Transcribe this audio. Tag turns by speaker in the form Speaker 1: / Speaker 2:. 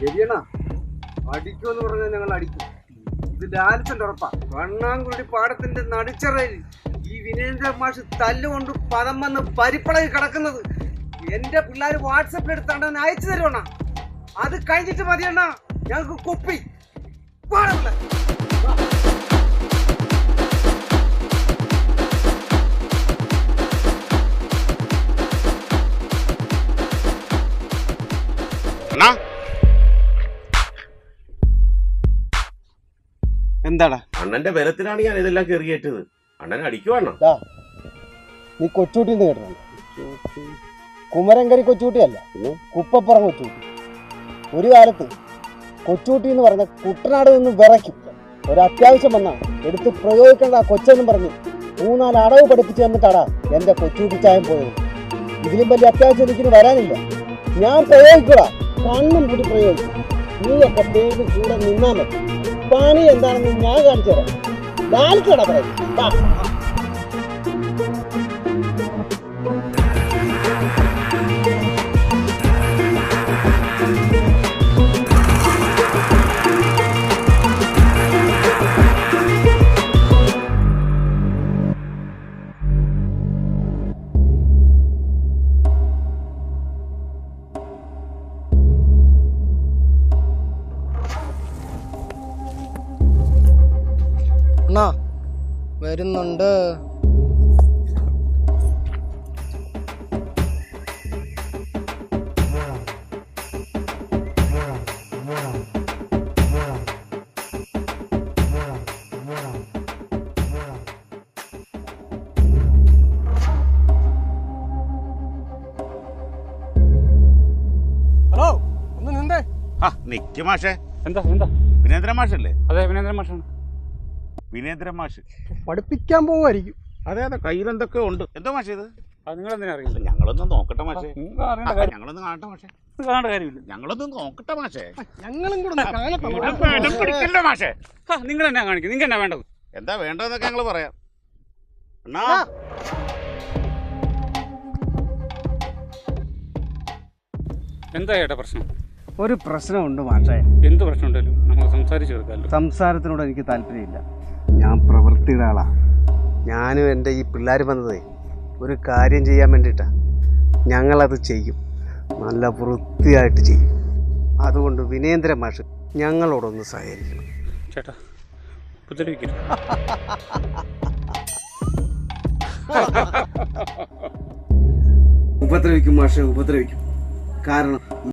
Speaker 1: ശരിയണ അടിക്കുമെന്ന് പറഞ്ഞാൽ ഞങ്ങൾ അടിക്കും. ഇത് ഡാൻസിന്റെ ഉറപ്പാ. വണ്ണാങ്കുടി പാടത്തിന്റെ നടുച്ചറയിൽ ഈ വിനേന്ദ്ര മാഷ് തല്ലുകൊണ്ട് പദം വന്ന് പരിപ്പളകി കിടക്കുന്നത് എന്റെ പിള്ളേർ വാട്സപ്പിൽ എടുത്താണ്ട് അയച്ചു തരുവണ്ണ. അത് കഴിഞ്ഞിട്ട് മതിയണ്ണ ഞങ്ങൾക്ക് കുപ്പി. എന്താടാ
Speaker 2: അണ്ണന്റെ ബലത്തിലാണ് ഞാൻ ഇതെല്ലാം കയറിയേറ്റത്. അണ്ണൻ അടിക്കുവാണോ?
Speaker 3: നീ കൊച്ചൂട്ടി കേട്ടോ? കുമരങ്കരി കൊച്ചൂട്ടിയല്ല, കുപ്പപ്പുറം കൊച്ചൂട്ടി. ഒരു കാലത്ത് കൊച്ചൂട്ടി എന്ന് പറഞ്ഞ കുട്ടനാട് നിന്ന് വിറയ്ക്കും. ഒരത്യാവശ്യം വന്നാൽ എടുത്ത് പ്രയോഗിക്കേണ്ട ആ കൊച്ചെന്നും പറഞ്ഞ് 3-4 അടവ് പഠിപ്പിച്ച് തന്നിട്ടാടാ എൻ്റെ കൊച്ചൂട്ടി ചായം പോയത്. ഇതിലും വലിയ അത്യാവശ്യം എനിക്കിന് വരാനില്ല. ഞാൻ പ്രയോഗിക്കൂടാ, കണ്ണും കൂടി പ്രയോഗിക്കും. നീയൊക്കെ പേര് കൂടെ നിന്നാൽ മതി. പണി എന്താണെന്ന് ഞാൻ കാണിച്ചു തരാം. ലാലിക്കടാ പറയും. വരുന്നുണ്ട്.
Speaker 1: ഹലോ, ഒന്ന് നിന്നേ.
Speaker 2: നിക്ക് മാഷേ.
Speaker 4: എന്താ എന്താ?
Speaker 2: വിനേന്ദ്ര മാഷല്ലേ?
Speaker 4: അതെ, വിനേന്ദ്ര മാഷാണ്.
Speaker 2: വിനേന്ദ്ര മാഷ്
Speaker 3: പഠിപ്പിക്കാൻ പോവായിരിക്കും.
Speaker 2: അതെ അതെ, കയ്യിലെന്തൊക്കെ ഉണ്ട്. എന്തോ മാഷേ ഇത്?
Speaker 4: നിങ്ങൾ എന്തിനാ അറിയില്ല?
Speaker 2: ഞങ്ങളൊന്നും നോക്കട്ടെ മാഷേ.
Speaker 4: ഞങ്ങളൊന്നും
Speaker 2: ഞങ്ങളൊന്നും കാണട്ടെ മാഷേ.
Speaker 4: കാണേണ്ട കാര്യമില്ല.
Speaker 2: ഞങ്ങളൊന്നും നോക്കട്ടെ മാഷേ.
Speaker 3: ഞങ്ങളും കൂടെ
Speaker 2: പിടിക്കില്ല മാഷേ.
Speaker 4: നിങ്ങൾ എന്നാ കാണിക്കും? നിങ്ങൾക്ക് എന്നാ വേണ്ടത്?
Speaker 2: എന്താ വേണ്ടതെന്നൊക്കെ ഞങ്ങൾ പറയാം. അണ്ണാ
Speaker 4: എന്താ ചേട്ടാ പ്രശ്നം?
Speaker 1: ഒരു പ്രശ്നമുണ്ട് മാഷേ.
Speaker 4: എന്ത് പ്രശ്നം ഉണ്ടല്ലോ നമുക്ക് സംസാരിച്ചു തീർക്കാമല്ലോ.
Speaker 1: സംസാരത്തിനോട് എനിക്ക് താല്പര്യമില്ല. ഞാൻ പ്രവൃത്തിയുടെ ആളാ. ഞാനും എൻ്റെ ഈ പിള്ളേർ വന്നതേ ഒരു കാര്യം ചെയ്യാൻ വേണ്ടിയിട്ടാണ്. ഞങ്ങളത് ചെയ്യും, നല്ല വൃത്തിയായിട്ട് ചെയ്യും. അതുകൊണ്ട് വിനേന്ദ്ര മാഷ് ഞങ്ങളോടൊന്ന് സഹകരിക്കണം.
Speaker 4: ചേട്ടാ ഉപദ്രവിക്കരുത്.
Speaker 1: ഉപദ്രവിക്കും മാഷെ, ഉപദ്രവിക്കും. കാരണം